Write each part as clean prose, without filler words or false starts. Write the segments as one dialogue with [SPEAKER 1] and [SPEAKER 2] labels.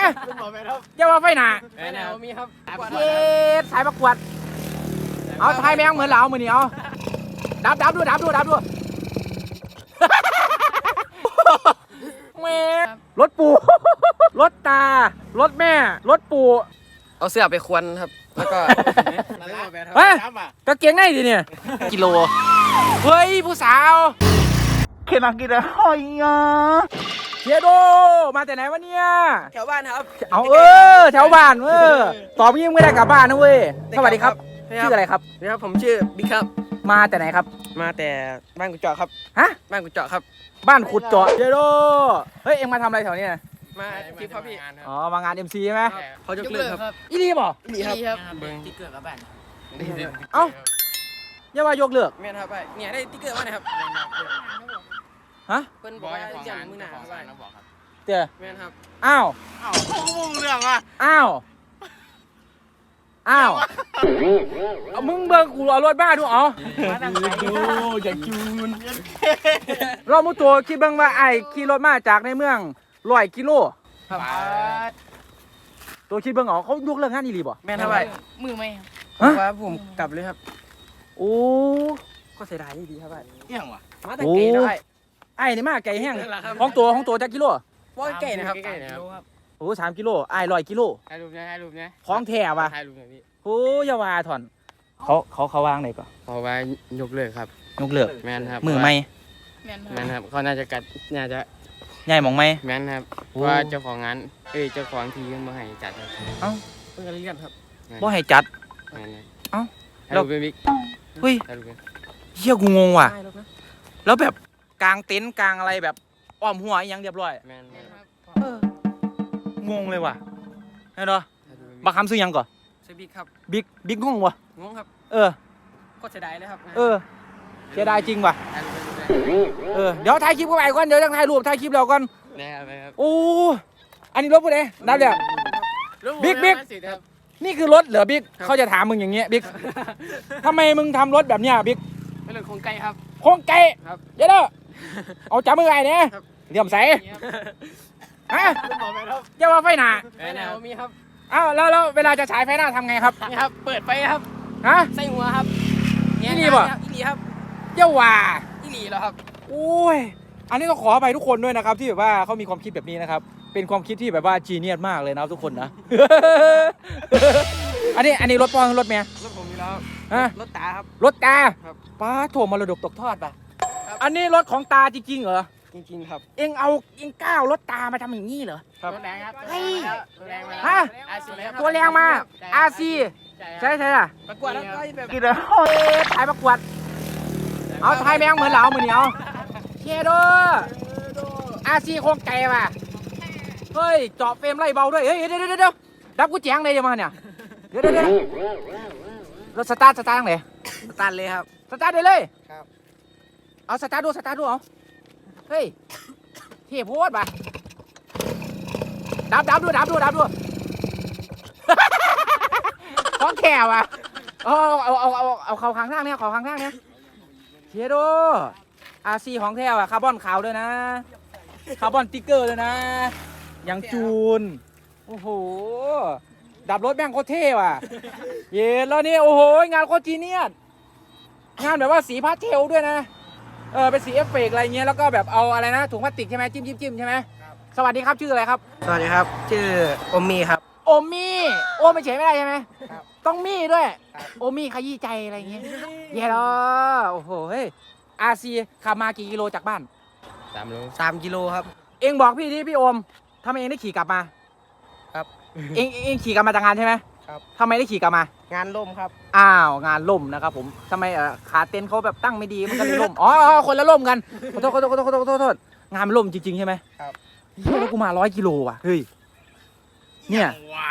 [SPEAKER 1] เจ้าว่าไฟหนา
[SPEAKER 2] แนวมีครับ
[SPEAKER 1] เย็ดสายประกวดเอาไทยแมงเหมือนเรามือนี่เอาดับดูแม่รถปูรถตารถแม่รถปู
[SPEAKER 2] เอาเสื้อไปควนครับแล้วก็
[SPEAKER 1] เฮ้ยกางเกงในดิเนี่ย
[SPEAKER 2] กิโล
[SPEAKER 1] เฮ้ยผู้สาวเขียนมากี่เดือนหอยเชียโดมาแต่ไหนวะเนี่ย
[SPEAKER 2] แถวบ้านครับ
[SPEAKER 1] เอาแถวบ้านตอบยิ่งไม่ได้กลับบ้านนะเว้ยสวัสดีครับชื่ออะไรครับ
[SPEAKER 2] นี่ครับผมชื่อบิ๊กครับ
[SPEAKER 1] มาแต่ไหนครับ
[SPEAKER 2] มาแต่บ้านกุญเจาะครับ
[SPEAKER 1] ฮะ
[SPEAKER 2] บ้านกุญเจาะครับ
[SPEAKER 1] บ้านขุดเจาะเชียโดเฮ้ยเอ็งมาทำอะไรแถวนี้
[SPEAKER 2] มาที่พ่อพี่
[SPEAKER 1] อ๋อมางาน MC ใช่ไหม
[SPEAKER 2] เขายกเลิกครับ
[SPEAKER 1] อีรีบ่
[SPEAKER 2] นี่ครับ
[SPEAKER 3] เบิ้งที่เกิดกับบ้าน
[SPEAKER 1] เอ้าอย่าว่ายกเลิก
[SPEAKER 2] แม่นครับไปเนี่ยได้ติ๊กเกอร์มานะครับ
[SPEAKER 1] ฮะ
[SPEAKER 2] เพิ่นบอกว่าจะมือหนาครับไป
[SPEAKER 1] เดี๋ยว
[SPEAKER 2] แม่นครับ
[SPEAKER 1] อ้าว
[SPEAKER 3] เรื่องอ่ะ
[SPEAKER 1] อ้าวเอามึงเบิ่งกูเอารถบ้าดูเอาอย่าจูนเรามุตัวคิดเบิ่งว่าไอ้ขี่รถมาจากในเมือง100 กิโล
[SPEAKER 2] ครับ
[SPEAKER 1] ตัวคิดเบิ่งเขายกเลิกงานอีหลีบ่
[SPEAKER 2] แม่นครับไป
[SPEAKER 3] มือไหม
[SPEAKER 2] ว่าผมกลับเลยครับ
[SPEAKER 1] โอ้
[SPEAKER 2] ก็เสียดายดีครับไป
[SPEAKER 3] เรื่องว่ะ
[SPEAKER 2] มาแต่เก๋ได้
[SPEAKER 1] ไอ้นี่มาไก่แห้งของตัวจักกิโล
[SPEAKER 2] ว่าเก๋นะครับ
[SPEAKER 1] โอ้3 กิโลไอ้100 กิโล
[SPEAKER 2] ถ่ายรูปนะ
[SPEAKER 1] ของแท้ว่ะ
[SPEAKER 2] ถ่ายรูปนะพี่
[SPEAKER 1] โอ้อยาวาถอนเขาวางไหนก่อน
[SPEAKER 2] เพราะว่ายกเลิกครับ
[SPEAKER 1] ยกเลิก
[SPEAKER 2] แม่นครับ
[SPEAKER 1] มือไม่
[SPEAKER 3] แม่น
[SPEAKER 2] แม่นครับเขาน่าจะ
[SPEAKER 1] ใหญ่มองไม่
[SPEAKER 2] แม่นครับ
[SPEAKER 1] โอ้
[SPEAKER 2] ว่าเจ้าของงานเจ้าของทีมมาให้จัดครับ
[SPEAKER 1] เอ้า
[SPEAKER 2] เพิ่งเรียนครับ
[SPEAKER 1] บ่ให้จัด
[SPEAKER 2] แม่นครับ
[SPEAKER 1] เอ้า
[SPEAKER 2] ถ่ายรูปเป็นบิ๊ก
[SPEAKER 1] เฮ้ย
[SPEAKER 2] ถ่ายรูปเป็น
[SPEAKER 1] เฮียกูงงว่ะ
[SPEAKER 2] ถ่ายรูปนะ
[SPEAKER 1] แล้วแบบกลางเต็นท์กลางอะไรแบบอ้อมหัวอีหยังเรียบร้อย
[SPEAKER 2] แม่นครับ
[SPEAKER 1] งงเลยว่ะเห็นเหรอ
[SPEAKER 2] ถ่ายรูปเป็น
[SPEAKER 1] บักคำซื้อหยังก่อน
[SPEAKER 2] ชื่อบิ๊กครับ
[SPEAKER 1] บิ๊กงงว่ะ
[SPEAKER 2] งงครับ
[SPEAKER 1] เออ
[SPEAKER 2] ก็เสียดายเลยครับ
[SPEAKER 1] เสียดายจริงว่ะ
[SPEAKER 2] ถ่ายรูปเป็น
[SPEAKER 1] เดี๋ยวถ่ายคลิปเข้าไปก่อนเดี๋ยวจะถ่ายรูปถ่ายคลิปแล้วก่อน
[SPEAKER 2] นะครับ
[SPEAKER 1] โอ้อันนี้รถผู้ใดนับเดี๋ยว บิ๊ก
[SPEAKER 2] ครับ
[SPEAKER 1] นี่คือรถเหรอบิ๊กเขาจะถามมึงอย่างเงี้ยบิ๊กทำไมมึงทำรถแบบเนี้ยบิ๊ก
[SPEAKER 2] เป็นเรื่องของไก่ครับ
[SPEAKER 1] โค้งไก่
[SPEAKER 2] ครับ
[SPEAKER 1] เดี๋ยวเด้อเอาจับมือไอ้เนี่ย
[SPEAKER 2] ครับ
[SPEAKER 1] เหลี่ยมใสฮะเจ้าว่าไฟหนา
[SPEAKER 2] แนวมีครับ
[SPEAKER 1] อ้าวแล้วเวลาจะฉายไฟหน้าทำไงครับ
[SPEAKER 2] นี่ครับ เปิดไฟครับ
[SPEAKER 1] ฮะ
[SPEAKER 2] ใส่หัวครับ
[SPEAKER 1] อีหลีบ่
[SPEAKER 2] อีหลีครับ
[SPEAKER 1] เจ้าว่า
[SPEAKER 2] อีหลีแล้วครับ
[SPEAKER 1] โอ้ยอันนี้ต้องขออภัยทุกคนด้วยนะครับที่แบบว่าเขามีความคิดแบบนี้นะครับเป็นความคิดที่แบบว่าจีเนียสมากเลยนะครับทุกคนนะ อันนี้รถปองรถเมีย
[SPEAKER 2] รถผมมีแล้ว
[SPEAKER 1] ฮะ
[SPEAKER 2] รถตาครับ
[SPEAKER 1] รถตา
[SPEAKER 2] ครับ
[SPEAKER 1] ป้าโถมรดกตกทอดป่ะ
[SPEAKER 2] ครับ
[SPEAKER 1] อันนี้รถของตาจริงๆเหรอ
[SPEAKER 2] จริงๆครับ
[SPEAKER 1] เอ็งก้าวรถตามาทำอย่างนี้เหรอ
[SPEAKER 2] ครับ
[SPEAKER 3] รถแรงครับ
[SPEAKER 1] เฮ้ย
[SPEAKER 3] รถแรงมา
[SPEAKER 1] ฮะ
[SPEAKER 3] RC ครับ
[SPEAKER 1] ตัวแรงมา RC ใช่ล่ะ
[SPEAKER 2] ประกวดแล้วก็แบบ
[SPEAKER 1] กินเลยถ่ายประกวดเอาถ่ายแมงเหมือนเรามือเหนียวเชียโดRC โคงไก่ป่ะเฮ้ยเจาะเฟรมไล่เบาด้วยเฮ้ยเดี๋ยวดับกูแจ้งเลยเดี๋ยวมาเนี่ยเดี๋ยวรถสตาร์ทยังไง
[SPEAKER 2] ตันเลยครับ
[SPEAKER 1] สตาร์ทได้เลย
[SPEAKER 2] ครับ
[SPEAKER 1] เอาสตาร์ทดูเอาเฮ้ยเท่โพดป่ะดับดูของแขวอ่ะเอาเขาข้างล่างเนี่ยเชียโดRC ของแท้อ่ะคาร์บอนขาวด้วยนะคาร์บอนติ๊กเกอร์ด้วยนะยังจูนโอ้โหดับรถแม่งโคตรเท่ว่ะเย็นแล้วนี่โอ้โหงานโคตรจีเนียสงานแบบว่าสีพาสเทลด้วยนะเป็นสีเอฟเฟกต์อะไรเงี้ยแล้วก็แบบเอาอะไรนะถุงพลาสติกใช่ไหมจิ้มใช่ไหมสวัสดีครับชื่ออะไรครับ
[SPEAKER 2] สวัสดีครับ ชื่ออมมีครับ
[SPEAKER 1] โอมี่โอไม่เฉยไม่ได้ใช่ไหมต้องมี่ด้วย โอมี่ขยี้ใจอะไรเงี้ยเย้แล้วโอ้โหเฮ้ยRCขับมากี่กิโลจากบ้าน
[SPEAKER 2] 3 กิโลครับ
[SPEAKER 1] เองบอกพี่ดิพี่โอมทำไมเองได้ขี่กลับมา
[SPEAKER 2] ครับ
[SPEAKER 1] เองขี่กลับมาจากงานใช่ไหม
[SPEAKER 2] ครับ
[SPEAKER 1] ทำไมได้ขี่กลับมา
[SPEAKER 2] งานล่มครับ
[SPEAKER 1] อ้าวงานล่มนะครับผมทำไมขาเต็นท์เขาแบบตั้งไม่ดีมันก็เลยล่มอ๋อคนละล่มกันขอโทษงานมันล่มจริงๆใช่ไหม
[SPEAKER 2] ครับ
[SPEAKER 1] เฮ้ยแล้วกูมา100 กิโลว่ะเฮ้ยเนี่ย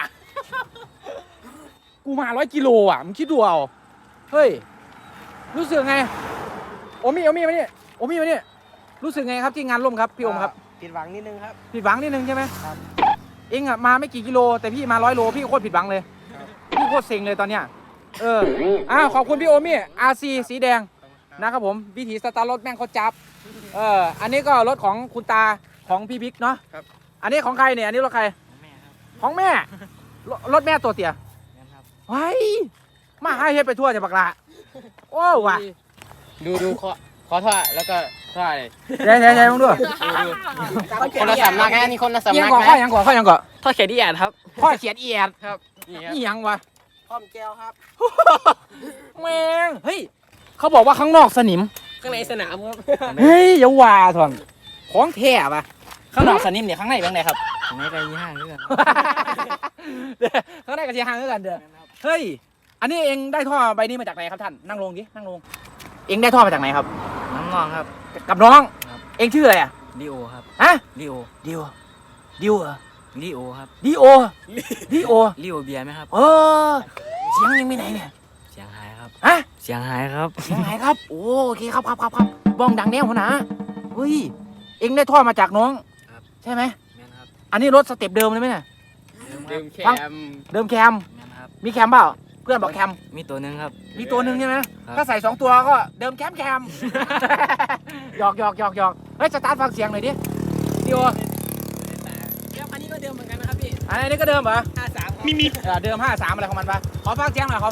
[SPEAKER 1] กูมา100 กิโลอ่ะมึงคิดดูเอาเฮ้ยรู้สึกไงโอมี่มานี่รู้สึกไงครับที่งานล่มครับพี่โอมครับ
[SPEAKER 2] ผิดหวังนิดนึงครับ
[SPEAKER 1] ผิดหวังนิดนึงใช่ไหม
[SPEAKER 2] ครับ
[SPEAKER 1] เองอะมาไม่กี่กิโลแต่พี่มา100 โลพี่โคตรผิดหวังเลย
[SPEAKER 2] ครับ
[SPEAKER 1] พี่โคตรเซ็งเลยตอนเนี้ยขอบคุณพี่โอมี่ RC สีแดงนะครับผมวิถีสตาร์รถแม่งเขาจับอันนี้ก็รถของคุณตาของพี่บิ๊กเนาะ
[SPEAKER 2] ครับ
[SPEAKER 1] อันนี้ของใครเนี่ยอันนี้รถใครของแม่รถแม่ตัวเตี้ยไว้มาให้เฮ็ดไปทั่วจะบักละโอ้ว่ะ
[SPEAKER 3] ดูขอท่อแล้วก็ท่อเลย
[SPEAKER 1] ใช่มึงดู
[SPEAKER 3] คนละสำนักนะนี่คนละสำ
[SPEAKER 1] ยั
[SPEAKER 3] นั
[SPEAKER 1] ง
[SPEAKER 3] ก
[SPEAKER 1] ก่อ
[SPEAKER 3] นะ
[SPEAKER 1] ข้อยังก่อ
[SPEAKER 3] ท่อเขียนที่แอดครับ
[SPEAKER 1] ข้อเขียนเอียด
[SPEAKER 3] ครับนี่ครับ
[SPEAKER 1] นี่ยังวะ
[SPEAKER 2] พร้อมแก้วครับ
[SPEAKER 1] แม่งเฮ้ยเขาบอกว่าข้างนอกสนิม
[SPEAKER 3] ข้างในสนามครับ
[SPEAKER 1] เฮ้ยอย่าว่าทอนของแท้ปะข้างนอกสนิมเนี่ยข้างในเป็นไงครับ
[SPEAKER 3] ในไก่ยี่ห้าด้วยกัน
[SPEAKER 1] ข้างในกับเชียงหางด้วยกันเด้อเฮ้ยอันนี้เองได้ท่อใบนี้มาจากไหนครับท่านนั่งลงดินั่งลงเองได้ท่อมาจากไหนครับ
[SPEAKER 3] น้องงองครับ
[SPEAKER 1] กับน้อง
[SPEAKER 3] ครับ
[SPEAKER 1] เองชื่ออะไรอ่ะ
[SPEAKER 3] ดีโอครับ
[SPEAKER 1] ฮะ
[SPEAKER 3] ดีโอ
[SPEAKER 1] ดิวเหรอ
[SPEAKER 3] ดีโอครับ
[SPEAKER 1] ดิโอ
[SPEAKER 3] ดีโอเบียร์ไหมครับ
[SPEAKER 1] เออเสียงยังไม่ไหนเนี่ย
[SPEAKER 3] เสียงหายครับ
[SPEAKER 1] ฮะ
[SPEAKER 3] เสียงหายครับ
[SPEAKER 1] เสียงไหนครับโอเคครับบ้องดังแน่หัวหน้าเฮ้ยเองได้ท่อมาจากน้อง
[SPEAKER 3] ครับ
[SPEAKER 1] ใช่ไหม
[SPEAKER 3] แม่นครับ
[SPEAKER 1] อันนี้รถสเต็ปเดิมเลยไหมเนี่ย
[SPEAKER 3] เดิมแคม
[SPEAKER 1] เดิมแคม
[SPEAKER 3] แม่นครับ
[SPEAKER 1] มีแคมเปล่าเพื่อนบอกแคม
[SPEAKER 3] มีตัวหนึงครับ
[SPEAKER 1] มีตัวหนึ่งใช่ไหม
[SPEAKER 3] ครับ
[SPEAKER 1] ถ้าใส่2ตัวก็เดิมแคม หยอกเฮ้ยสตาร์ทฟังเสียงหน่อยดิดิโอ
[SPEAKER 3] อันนี้ก็เดิมเหมือนกันนะครับพี่
[SPEAKER 1] อันนี้ก็เดิมเหรอ
[SPEAKER 3] 53
[SPEAKER 1] มีเดิม53อะไรของมันปะขอฟังเสียงหน่อย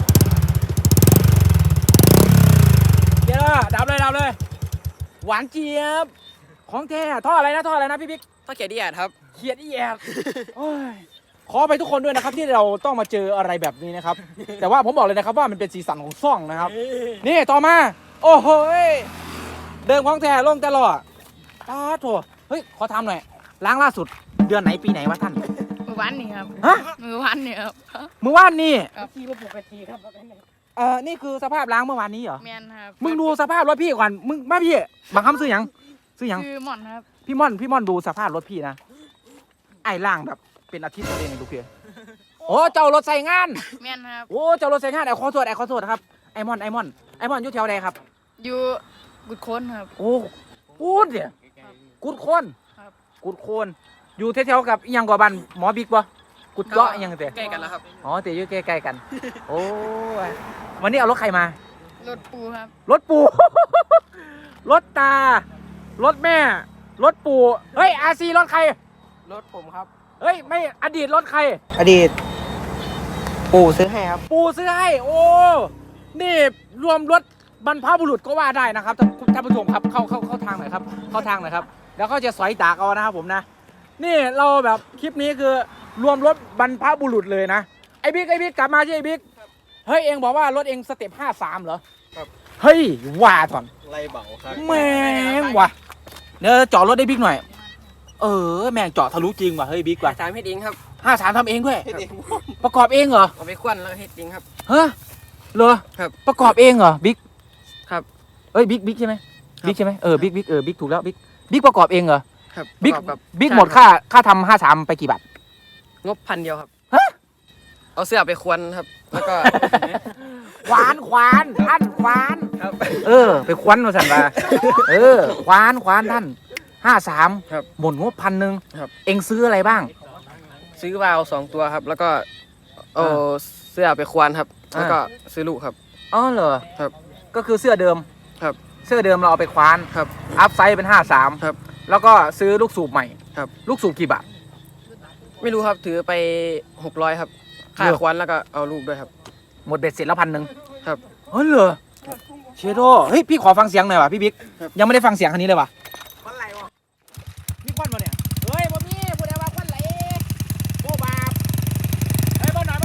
[SPEAKER 1] เดี๋ยวดับเลย หวานเจี๊ยบของแท้ท่ออะไรนะพี่บิ๊ก
[SPEAKER 3] ท่อเขียนที่แอดครับ
[SPEAKER 1] เขียดอีแอบโอ้ยขอไปทุกคนด้วยนะครับที่เราต้องมาเจออะไรแบบนี้นะครับ แต่ว่าผมบอกเลยนะครับว่ามันเป็นสีสันของซ่องนะครับ นี่ต่อมา โอ้โหยเดิมของแท้ลงตลอดโถเฮ้ยขอทำหน่อยล้างล่าสุดเดือนไหนปีไหนวะท่าน
[SPEAKER 4] มือวันนี่ครับ
[SPEAKER 1] ฮะ
[SPEAKER 4] มือวันนี่ครับ
[SPEAKER 1] เมื่อวานนี่
[SPEAKER 2] ที่ก็ปกติครับ
[SPEAKER 1] นี่คือสภาพล้างเมื่อวานนี้เหรอ
[SPEAKER 4] แมนครับ
[SPEAKER 1] มึงดูสภาพรถพี่ก่อนมึงมาพี่บางคำซื้อหยัง
[SPEAKER 4] คือหม่อนครับ
[SPEAKER 1] พี่ม่อนดูสภาพรถพี่นะไอ้ล่างแบบเป็นอาทิตย์ตัวเองดูเพียโอ้เจ้ารถใส่งาน
[SPEAKER 4] แมนครับ
[SPEAKER 1] โอ้เจ้ารถใส่งานไอ้ขอโทษครับไอ้มอนอยู่แถวใดครับ
[SPEAKER 4] อยู่กุดโค้นครับ
[SPEAKER 1] โอ้กูดเนี่ยกุดโคน
[SPEAKER 4] ครับ
[SPEAKER 1] กุดโคนอยู่แถวๆกับอิหยังกว่าบ้านหมอบิ๊กบ่กุดเกาะอิหยังเตะ
[SPEAKER 3] ใกล้กันแล้วครับ
[SPEAKER 1] อ๋อเตะอยู่ใกล้ๆกัน โอ้ยวันนี้เอารถใครมาร
[SPEAKER 4] ถปูครับ
[SPEAKER 1] รถปู่ รถตารถแม่รถปู่เฮ้ยอาซีรถใคร
[SPEAKER 2] รถผมครับ
[SPEAKER 1] เฮ้ยไม่อดีตรถใคร
[SPEAKER 2] อดีต ปู่ซื้อให้ครับ
[SPEAKER 1] ปู่ซื้อให้โอ้นี่รวมรถบรรพบุรุษก็ว่าได้นะครับท่านผู้ชมครับเข้าทางหน่อยครับเข้าทางหน่อยครับแล้วก็จะสอยตากเอานะครับผมนะนี่เราแบบคลิปนี้คือรวมรถบรรพบุรุษเลยนะไอ้บิ๊กกลับมาที่ไอ้บิ๊กเฮ้ยเองบอกว่ารถเองสเต็ป53เหรอ
[SPEAKER 2] ครับ
[SPEAKER 1] เฮ้ยว่าถอน
[SPEAKER 2] ไรเบาครับ
[SPEAKER 1] แม่งว่ะเดี๋ยวจอดรถได้บิ๊กหน่อยแม่งจอดทะลุจริงว่ะเฮ้ยบิ๊กว่ะ
[SPEAKER 3] 3เฮ็ดเองครับ
[SPEAKER 1] 53ทำเองด้วยประกอบเองเหรอ
[SPEAKER 3] เอาไปควันแล้วเฮ็ดเองครับ
[SPEAKER 1] ฮะเหรอ
[SPEAKER 3] ครับ
[SPEAKER 1] ประกอบเองเหรอบิ๊ก
[SPEAKER 3] ครับ
[SPEAKER 1] เอ้ยบิ๊กใช่ไหม
[SPEAKER 3] ครับ
[SPEAKER 1] บิ๊กใช่ไหมบิ๊กถูกแล้วบิ๊กประกอบเองเหรอ
[SPEAKER 3] ครับ
[SPEAKER 1] บิ๊ก
[SPEAKER 3] ประอบ
[SPEAKER 1] บิ๊ก
[SPEAKER 3] ใช่
[SPEAKER 1] หมดค่าทำ53ไปกี่บาท
[SPEAKER 3] งบ1,000 เดียวครับ
[SPEAKER 1] ฮะ
[SPEAKER 3] เอาเสื้อไปควันครับ แล้วก็
[SPEAKER 1] ควานท่านควาน
[SPEAKER 3] ครับ
[SPEAKER 1] ไปควันมาสั่นมาควานท่าน53
[SPEAKER 3] ครับ
[SPEAKER 1] หมดงบ1,000
[SPEAKER 3] ครับ
[SPEAKER 1] เอ็งซื้ออะไรบ้าง
[SPEAKER 3] ซื้อวาล์ว2 ตัวครับ แล้วก็เอาเสื้อไปควันครับ แล้วก็ซื้อลูกครับ
[SPEAKER 1] อ๋อเหรอ
[SPEAKER 3] ครับ
[SPEAKER 1] ก็คือเสื้อเดิม
[SPEAKER 3] ครับ
[SPEAKER 1] เสื้อเดิมเราเอาไปควาน
[SPEAKER 3] ครับ
[SPEAKER 1] อัพไซส์เป็น53
[SPEAKER 3] ครับ
[SPEAKER 1] แล้วก็ซื้อลูกสูบใหม่
[SPEAKER 3] ครับ
[SPEAKER 1] ลูกสูบกี่บาท
[SPEAKER 3] ไม่รู้ครับ ถือไป600ครับ ค่า
[SPEAKER 1] เลือก
[SPEAKER 3] ควันแล้วก็เอาลูกด้วยครับ
[SPEAKER 1] หมดเบ็ดเสร็จแล้ว1,000
[SPEAKER 3] ครับ
[SPEAKER 1] เฮ้ยเหรอเชโดเฮ้ยพี่ขอฟังเสียงหน่อยว่ะพี่บิ๊ก
[SPEAKER 3] ครับ
[SPEAKER 1] ยังไม่ได้ฟังเสียงคันนี้เลยว่ะ
[SPEAKER 2] วันไรวะ
[SPEAKER 1] มีควันมาเนี่ยเฮ้ยบ่มีผู้ใดว่าควันไหลโบบาปเฮ้ยบ่หน่อย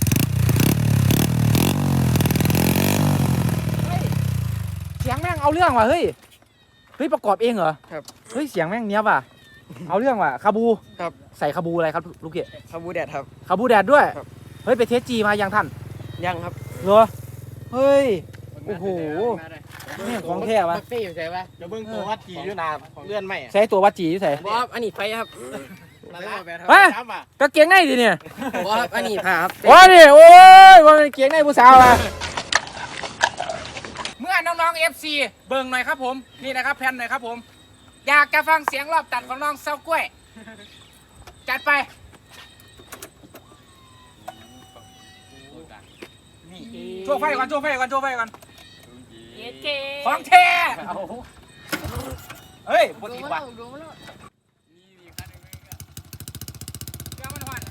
[SPEAKER 1] เฮ้ยเสียงแม่งเอาเรื่องว่ะเฮ้ยประกอบเองเหรอ
[SPEAKER 3] ครับ
[SPEAKER 1] เฮ้ยเสียงแม่งเนี้ยว่ะเอาเรื่องว่ะคาบู
[SPEAKER 3] ครับ
[SPEAKER 1] ใส่คาบูอะไรครับลูกเกด
[SPEAKER 3] คาบูแดดครับ
[SPEAKER 1] คาบูแดดด้วย
[SPEAKER 3] ครับ
[SPEAKER 1] เฮ้ยไปเทสจีมายังท่าน
[SPEAKER 3] ยังครับ
[SPEAKER 1] เหรอเฮ้ยโอ้โหแม่งของแท้วะ
[SPEAKER 3] เป้อยู่ใช่ปะ
[SPEAKER 2] จะเบิ่งตัววัดกี่อยู่นาเลื่อนไหม
[SPEAKER 1] ใช้ตัววัดจีที่ใส่
[SPEAKER 3] บอสอันนี้ไฟครับ
[SPEAKER 2] นั่นแหละ
[SPEAKER 1] เฮ้ยกางเกงในดิเนี่ย
[SPEAKER 3] บอสอันนี้ผ้าครับ
[SPEAKER 1] โอ้ยดิโอ้ยว่าเป็นเกงในผู้สาวอะเมื่อน้องๆ FC เบิ่งหน่อยครับผมนี่นะครับแผ่นหน่อยครับผมอยากจะฟังเสียงรอบตัดของน้องเซากล้วยจัดไปโชว์ไฟก่อนของแท้เฮ้ยปก
[SPEAKER 4] ดู
[SPEAKER 1] ติ
[SPEAKER 4] มา
[SPEAKER 1] ว่ะ
[SPEAKER 4] แล้วดูมาแล้ว
[SPEAKER 1] เดี๋ยวมันหวาน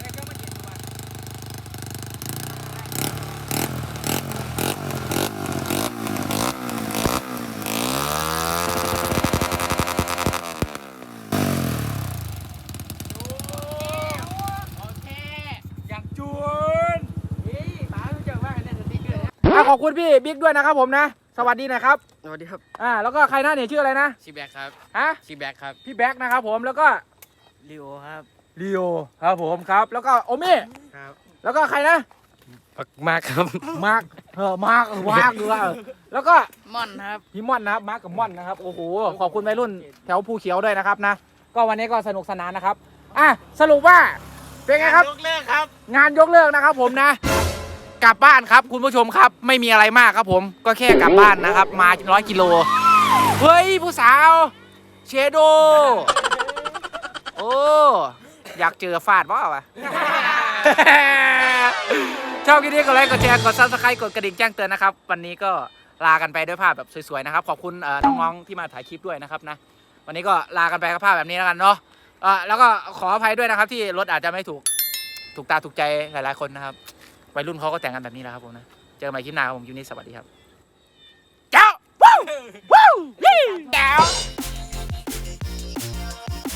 [SPEAKER 1] ขอบคุณพี่บิ๊กด้วยนะครับผมนะสวัสดีนะครับ
[SPEAKER 3] สวัสดีครับ
[SPEAKER 1] แล้วก็ใครหน้าเนี่ยชื่ออะไรนะ
[SPEAKER 2] ชีแบกครับ
[SPEAKER 1] ฮะ
[SPEAKER 2] ชีแบกครับ
[SPEAKER 1] พี่แบ็คนะครับผมแล้วก็
[SPEAKER 2] ลิโอครับ
[SPEAKER 1] ลีโอครับผมครับแล้วก็โอเม่
[SPEAKER 2] ครับ
[SPEAKER 1] แล้วก็ใครนะ
[SPEAKER 2] มากครับ
[SPEAKER 1] มาร์คมาร์คแล้วก็
[SPEAKER 4] ม่อนครับ
[SPEAKER 1] พี่ม่อนนะครับมาร์คกับม่อนนะครับโอ้โหขอบคุณวัยรุ่นแถวภูเขียวด้วยนะครับนะก็วันนี้ก็สนุกสนานนะครับสรุปว่าเป็นไงครับ
[SPEAKER 2] ยกเลิกครับ
[SPEAKER 1] งานยกเลิกนะครับผมนะกลับบ้านครับคุณผู้ชมครับไม่มีอะไรมากครับผมก็แค่กลับบ้านนะครับมา100 กิโลเฮ้ยผู้สาวเชโดโอ้อยากเจอฟาดว่าวะ ชอบคลิปนี้กดไลค์กดแชร์กด Subscribe กดกระดิ่งแจ้งเตือนนะครับวันนี้ก็ลากันไปด้วยภาพแบบสวยๆนะครับขอบคุณน้องๆที่มาถ่ายคลิปด้วยนะครับนะวันนี้ก็ลากันไปกับภาพแบบนี้แล้วกันเนาะแล้วก็ขออภัยด้วยนะครับที่รถอาจจะไม่ถูกตาถูกใจหลายๆคนนะครับวัยรุ่นเขาก็แต่งกันแบบนี้แหละครับผมนะเจอกันใหม่คลิปหน้าครับผมคลิปนี้สวัสดีครับเจ้าวู้วู้เจ้า